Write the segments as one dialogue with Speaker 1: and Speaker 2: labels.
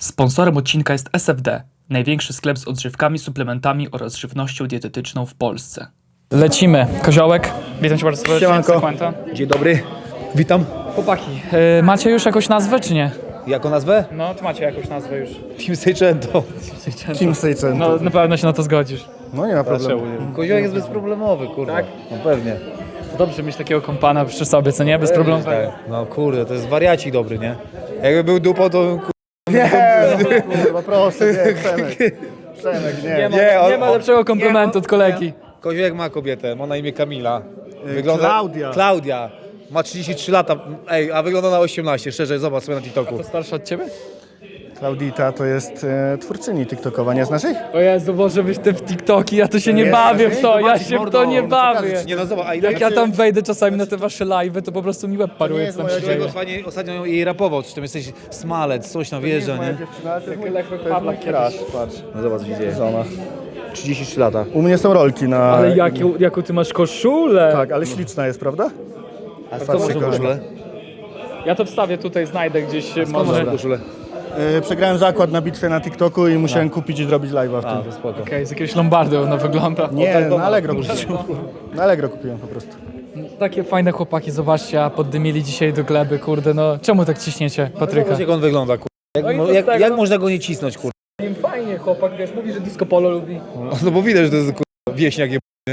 Speaker 1: Sponsorem odcinka jest SFD, największy sklep z odżywkami, suplementami oraz żywnością dietetyczną w Polsce. Lecimy. Koziołek, witam cię bardzo serdecznie.
Speaker 2: Siemanko.
Speaker 1: Sekwenta.
Speaker 2: Dzień dobry, witam.
Speaker 1: Chłopaki, macie już jakąś nazwę, czy nie?
Speaker 2: Jaką nazwę?
Speaker 1: No, czy macie jakąś nazwę już?
Speaker 2: Team Seicento.
Speaker 3: Team Seicento.
Speaker 1: No, na pewno się na to zgodzisz.
Speaker 3: No nie ma problemu.
Speaker 2: Koziołek jest bezproblemowy, kurwa.
Speaker 1: Tak?
Speaker 2: No pewnie.
Speaker 1: Dobrze mieć takiego kompana przy sobie, co nie? Bez problemu.
Speaker 2: Tak. No kurde, to jest wariacik dobry, nie? Jakby był dupą, to bym
Speaker 3: Kurwa, proszę, nie, Przemek. Przemek, nie.
Speaker 1: Nie ma lepszego komplementu od kolegi.
Speaker 2: Koziołek ma kobietę, ma na imię Kamila.
Speaker 3: Klaudia.
Speaker 2: Ma 33 lata, a wygląda na 18, szczerze, zobacz sobie na TikToku.
Speaker 1: To starsza od ciebie?
Speaker 3: Klaudita to jest twórczyni TikTokowa, nie znasz ich?
Speaker 1: O Jezu, może być te w TikToki, ja to się nie
Speaker 3: Nie,
Speaker 1: bawię
Speaker 3: nie,
Speaker 1: w to, ja
Speaker 3: zobaczysz,
Speaker 1: się w
Speaker 3: mordo,
Speaker 1: to nie
Speaker 3: no to
Speaker 1: bawię.
Speaker 3: pokażę ci.
Speaker 2: Nie no zobacz, a ile
Speaker 1: Jak ja tam wejdę czasami na te wasze live'y, to po prostu mi łeb paruje, co tam się dzieje.
Speaker 2: Koziołek ostatnio jej rapował, czy tam jesteś smalec, coś tam wjeżdża, nie?
Speaker 3: dziewczyna, to jest mój
Speaker 1: Pawlak
Speaker 3: crush, patrz.
Speaker 2: No zobacz, co się dzieje.
Speaker 3: Żona.
Speaker 2: 33 lata.
Speaker 3: U mnie są rolki na...
Speaker 1: Ale jaką ty masz koszulę?
Speaker 3: Tak, ale śliczna jest, prawda?
Speaker 2: A
Speaker 3: co
Speaker 2: skąd
Speaker 3: masz
Speaker 2: masz koszulę?
Speaker 1: Ja to wstawię tutaj, znajdę gdzieś
Speaker 2: Skąd
Speaker 1: może.
Speaker 2: masz koszulę?
Speaker 3: Przegrałem zakład na bitwie na TikToku i musiałem kupić i zrobić live'a w
Speaker 2: A,
Speaker 3: tym.
Speaker 2: to spoko.
Speaker 1: Okej, z jakiegoś Lombardy ona wygląda.
Speaker 3: Nie, na Allegro kupiłem. Na Allegro kupiłem po prostu.
Speaker 1: Takie fajne chłopaki, zobaczcie, a poddymili dzisiaj do gleby, kurde, no czemu tak ciśniecie Patryka?
Speaker 2: Zobacz, jak on wygląda, kurwa.
Speaker 1: No i co
Speaker 2: Jak,
Speaker 1: z tego?
Speaker 2: jak można go nie cisnąć, kurwa?
Speaker 1: Fajnie chłopak, wiesz, mówi, że disco polo lubi.
Speaker 2: No bo widać, że to jest kurwa wieśniak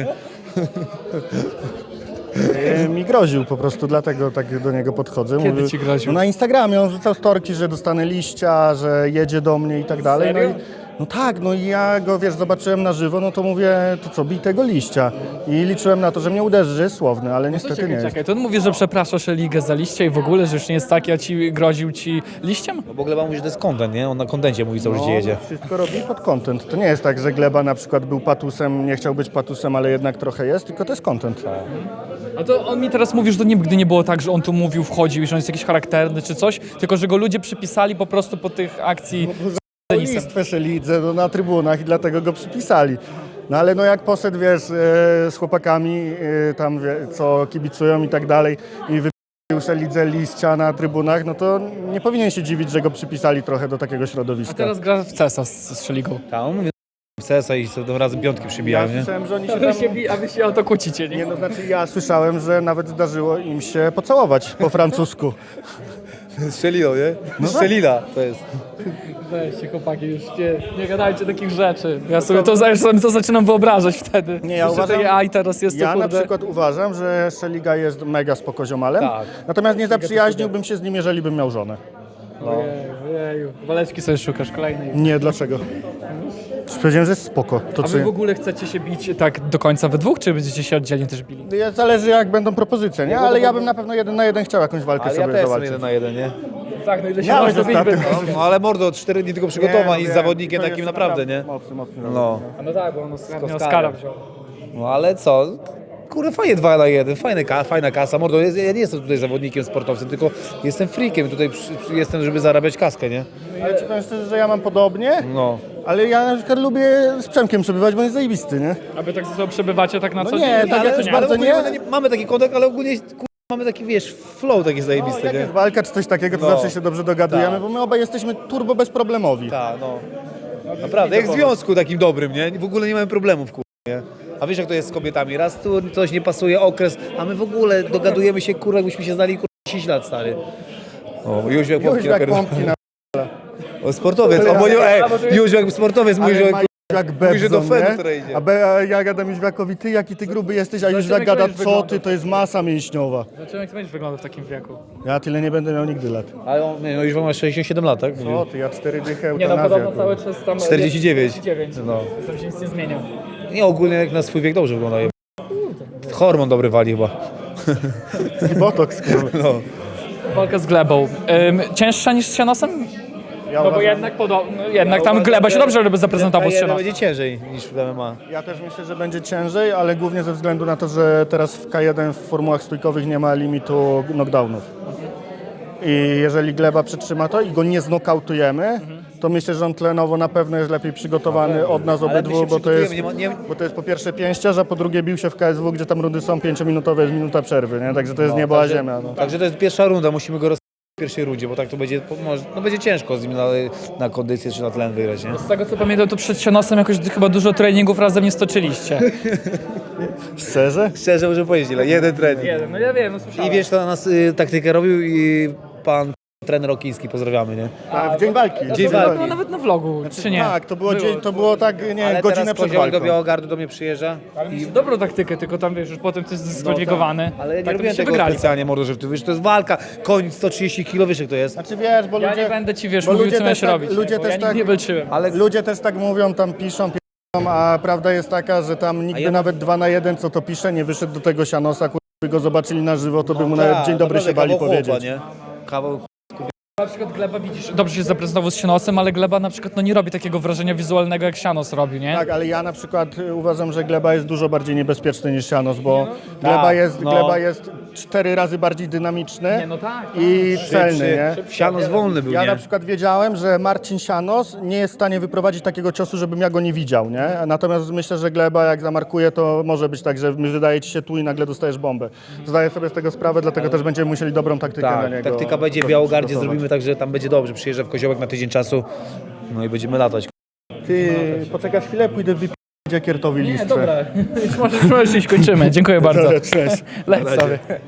Speaker 3: Mi groził po prostu, dlatego tak do niego podchodzę.
Speaker 1: Kiedy
Speaker 3: Mówił-
Speaker 1: ci groził?
Speaker 3: No na Instagramie on rzucał storki, że dostanę liścia, że jedzie do mnie i tak dalej.
Speaker 1: Serio?
Speaker 3: No tak, no i ja go, wiesz, zobaczyłem na żywo, no to mówię, to co, bij tego liścia. I liczyłem na to, że mnie uderzy, że jest słowny, ale niestety nie jest.
Speaker 1: Czekaj, to on mówi, że przepraszasz ligę za liście i w ogóle, że już nie jest taki, a ci groził ci liściem?
Speaker 2: No bo Gleba mówi, że to jest content, nie? On na kontencie mówi, co życie jedzie.
Speaker 3: Wszystko robi pod content. To nie jest tak, że Gleba na przykład był patusem, nie chciał być patusem, ale jednak trochę jest, tylko to jest content.
Speaker 1: A to on mi teraz mówi, że to nigdy nie było tak, że on tu mówił, wchodził i że on jest jakiś charakterny czy coś, tylko że go ludzie przypisali po prostu po tych akcji.
Speaker 3: Listwę Szelidze no, na trybunach i dlatego go przypisali. No ale no jak poszedł, wiesz, z chłopakami tam, co kibicują i tak dalej i wypił Szelidze liścia na trybunach, no to nie powinien się dziwić, że go przypisali trochę do takiego
Speaker 1: A
Speaker 3: środowiska.
Speaker 1: teraz gra w CESa z Szeligą.
Speaker 2: Tak, on mówi sesa i sobie razem piątki
Speaker 3: Ja
Speaker 2: przybijają, nie?
Speaker 3: słyszałem, że oni się
Speaker 1: A
Speaker 3: tam...
Speaker 1: wy się o to kłócicie, nie?
Speaker 3: Nie, no znaczy ja słyszałem, że nawet zdarzyło im się pocałować po francusku.
Speaker 2: Szelino, nie? No Szelina to jest.
Speaker 1: Weźcie chłopaki, już nie gadajcie takich rzeczy. Ja sobie to zaczynam wyobrażać wtedy.
Speaker 3: Nie, ja
Speaker 1: Jeszcze
Speaker 3: uważam-
Speaker 1: takie AI teraz jest
Speaker 3: Ja
Speaker 1: to,
Speaker 3: na
Speaker 1: kurde.
Speaker 3: przykład uważam, że Szeliga jest mega spoko ziomalem,
Speaker 2: Tak.
Speaker 3: natomiast nie zaprzyjaźniłbym się z nim, jeżeli bym miał żonę.
Speaker 1: Ojeju, waleczki sobie szukasz kolejnej.
Speaker 3: Nie, dlaczego? Powiedziałem, że jest spoko. To
Speaker 1: A wy w ogóle chcecie się bić tak do końca we dwóch, czy będziecie się oddzielnie też bili?
Speaker 3: Zależy jak będą propozycje, nie? Ale ja bym na pewno 1 na 1 chciał jakąś walkę
Speaker 2: Ale ja
Speaker 3: sobie
Speaker 2: też jestem
Speaker 3: zawalczyć.
Speaker 2: 1 na 1, nie?
Speaker 1: Tak, no ile się
Speaker 3: Miałeś
Speaker 1: można bić
Speaker 3: ostatnio.
Speaker 1: bez...
Speaker 2: No ale mordo, 4 dni tylko przygotowań i z
Speaker 3: wiem,
Speaker 2: zawodnikiem
Speaker 3: to
Speaker 2: takim
Speaker 3: jest
Speaker 2: naprawdę, nie?
Speaker 3: Mocny.
Speaker 2: No.
Speaker 1: No tak, bo on
Speaker 2: Oscara.
Speaker 1: Oscara wziął.
Speaker 2: No ale co? Kurde, fajnie 2 na 1, fajna kasa. Mordo, ja nie jestem tutaj zawodnikiem, sportowcem, tylko jestem freakiem. Tutaj jestem, żeby zarabiać kaskę, nie?
Speaker 3: Ale ci powiem szczerze, że ja mam podobnie,
Speaker 2: No.
Speaker 3: ale ja na przykład lubię z Przemkiem przebywać, bo on jest zajebisty, nie?
Speaker 1: A wy tak ze sobą przebywacie tak na
Speaker 3: No
Speaker 1: co
Speaker 3: nie,
Speaker 1: dzień?
Speaker 3: tak jakoś bardzo
Speaker 2: ogólnie
Speaker 3: nie.
Speaker 2: mamy taki kontakt, ale ogólnie mamy taki, wiesz, flow taki zajebisty,
Speaker 3: Jak
Speaker 2: nie?
Speaker 3: jest walka czy coś takiego, to
Speaker 2: No.
Speaker 3: zawsze się dobrze dogadujemy,
Speaker 2: Tak.
Speaker 3: bo my obaj jesteśmy turbo bezproblemowi.
Speaker 2: Tak, no. Naprawdę, jak w związku takim dobrym, nie? W ogóle nie mamy problemów, nie? A wiesz jak to jest z kobietami? Raz tu coś nie pasuje, okres, a my w ogóle dogadujemy się, kurwa, jakbyśmy się znali, kurwa, 10 lat, stary. O, Jóźwiak
Speaker 3: Już
Speaker 2: pompki
Speaker 3: jak
Speaker 2: napierdala.
Speaker 3: pompki na...
Speaker 2: O, sportowiec, o, bo nie, Jóźwiak sportowiec mówi, że...
Speaker 3: Jak
Speaker 2: Mówi, że do
Speaker 3: Bebzon,
Speaker 2: Fenu
Speaker 3: nie?
Speaker 2: tutaj idzie.
Speaker 3: A ja gadam Jóźwiakowi, ty jaki ty gruby jesteś, a Jóźwiak
Speaker 1: jak
Speaker 3: gada,
Speaker 1: będziesz
Speaker 3: co
Speaker 1: wyglądał.
Speaker 3: ty, to jest masa mięśniowa.
Speaker 1: Zobaczymy jak to będziesz wyglądał w takim wieku.
Speaker 3: Ja tyle nie będę miał nigdy lat.
Speaker 2: Ale on, nie, no Jóźwiak ma 67 lat, tak?
Speaker 3: O ty, ja 4 dychy
Speaker 1: Nie no,
Speaker 3: eutanazja.
Speaker 1: podobno cały czas tam...
Speaker 2: 49.
Speaker 1: 49.
Speaker 2: No.
Speaker 1: Tam się nic nie zmienia.
Speaker 2: Nie, ogólnie jak na swój wiek dobrze wygląda. Hormon dobry wali chyba.
Speaker 3: Botox, kurwa.
Speaker 2: No.
Speaker 1: Walka z glebą. Cięższa niż z Sianosem?
Speaker 3: Ja,
Speaker 1: No bo
Speaker 3: uważam-
Speaker 1: jednak podobno, jednak tam gleba się dobrze żeby zaprezentował z
Speaker 2: Jeden
Speaker 1: Sianosem.
Speaker 2: będzie ciężej niż w MMA.
Speaker 3: ja też myślę, że będzie ciężej, ale głównie ze względu na to, że teraz w K1 w formułach stójkowych nie ma limitu knockdownów. I jeżeli Gleba przetrzyma to i go nie znokautujemy, to myślę, że on tlenowo na pewno jest lepiej przygotowany od nas
Speaker 2: Ale my
Speaker 3: obydwu,
Speaker 2: się
Speaker 3: bo to jest...
Speaker 2: przygotujemy,
Speaker 3: Bo to jest po pierwsze pięściarz, a po drugie bił się w KSW, gdzie tam rundy są 5-minutowe, jest minuta przerwy, nie? Także to jest niebo a ziemia. No.
Speaker 2: Także to jest pierwsza runda, musimy go pierwszej rundzie, bo tak to będzie, no będzie ciężko z nim na kondycję czy na tlen wygrać, nie?
Speaker 1: Z tego co pamiętam, to przed Sianosem jakoś chyba dużo treningów razem nie stoczyliście.
Speaker 3: Szczerze?
Speaker 2: Szczerze muszę powiedzieć, ile? Jeden trening.
Speaker 1: No ja wiem, no słyszałem.
Speaker 2: I wiesz, to nas taktykę robił i pan trener Okiński, pozdrawiamy, nie?
Speaker 3: A, w dzień walki.
Speaker 2: Dzień
Speaker 1: To
Speaker 2: walki.
Speaker 1: było nawet na vlogu, czy nie?
Speaker 3: Tak, to było tak, nie,
Speaker 2: Ale
Speaker 3: godzinę
Speaker 2: teraz
Speaker 3: przed
Speaker 2: Koziołek
Speaker 3: walką.
Speaker 2: do Białogardu do mnie przyjeżdża.
Speaker 1: I dobrą taktykę, tylko tam wiesz, już potem ty jest skwalifikowany.
Speaker 2: Ale ja nie
Speaker 1: tak, to
Speaker 2: robiłem
Speaker 1: byście
Speaker 2: tego
Speaker 1: wygrali.
Speaker 2: specjalnie, mordo, że ty wiesz, to jest walka, koń 130 kg, wiesz jak to jest.
Speaker 3: Znaczy wiesz, bo
Speaker 1: Ja
Speaker 3: ludzie...
Speaker 1: nie będę ci, wiesz,
Speaker 3: bo
Speaker 1: mówił,
Speaker 3: ludzie
Speaker 1: co
Speaker 3: też
Speaker 1: masz
Speaker 3: tak-
Speaker 1: robić.
Speaker 3: ludzie
Speaker 1: bo
Speaker 3: też
Speaker 1: ja nigdy
Speaker 3: tak-
Speaker 1: nie walczyłem.
Speaker 2: Ale
Speaker 3: Ludzie też tak mówią, tam piszą, a prawda jest taka, że tam nikt by nawet 2 na 1, co to pisze, nie wyszedł do tego Sianosa, by go zobaczyli na żywo, to by mu nawet dzień dobry się bali powiedzieć.
Speaker 2: nie? Kawał
Speaker 1: Na przykład Gleba widzisz, dobrze się zaprezentował z Sianosem, ale Gleba na przykład no, nie robi takiego wrażenia wizualnego jak Sianos robił, nie?
Speaker 3: Tak, ale ja na przykład uważam, że Gleba jest dużo bardziej niebezpieczny niż Sianos, bo
Speaker 2: Tak,
Speaker 3: Gleba jest 4 razy bardziej dynamiczny
Speaker 1: Nie, no tak,
Speaker 3: i celny, nie?
Speaker 2: Sianos wolny był,
Speaker 3: Ja
Speaker 2: nie?
Speaker 3: na przykład wiedziałem, że Marcin Sianos nie jest w stanie wyprowadzić takiego ciosu, żebym ja go nie widział, nie? Natomiast myślę, że Gleba jak zamarkuje, to może być tak, że wydaje ci się tu i nagle dostajesz bombę. Zdaję sobie z tego sprawę, dlatego też będziemy musieli dobrą taktykę na
Speaker 2: Tak,
Speaker 3: niego.
Speaker 2: taktyka będzie w
Speaker 3: po prostu
Speaker 2: Białogardzie,
Speaker 3: przygotować.
Speaker 2: zrobimy tak, że tam będzie dobrze, przyjeżdża w Koziołek na tydzień czasu, no i będziemy latać.
Speaker 3: Ty, poczekasz chwilę, pójdę wypić Jakiertowi
Speaker 1: Nie,
Speaker 3: listwę.
Speaker 1: dobra, już możesz iść, kończymy. Dziękuję bardzo.
Speaker 3: Cześć.
Speaker 1: Leć sobie.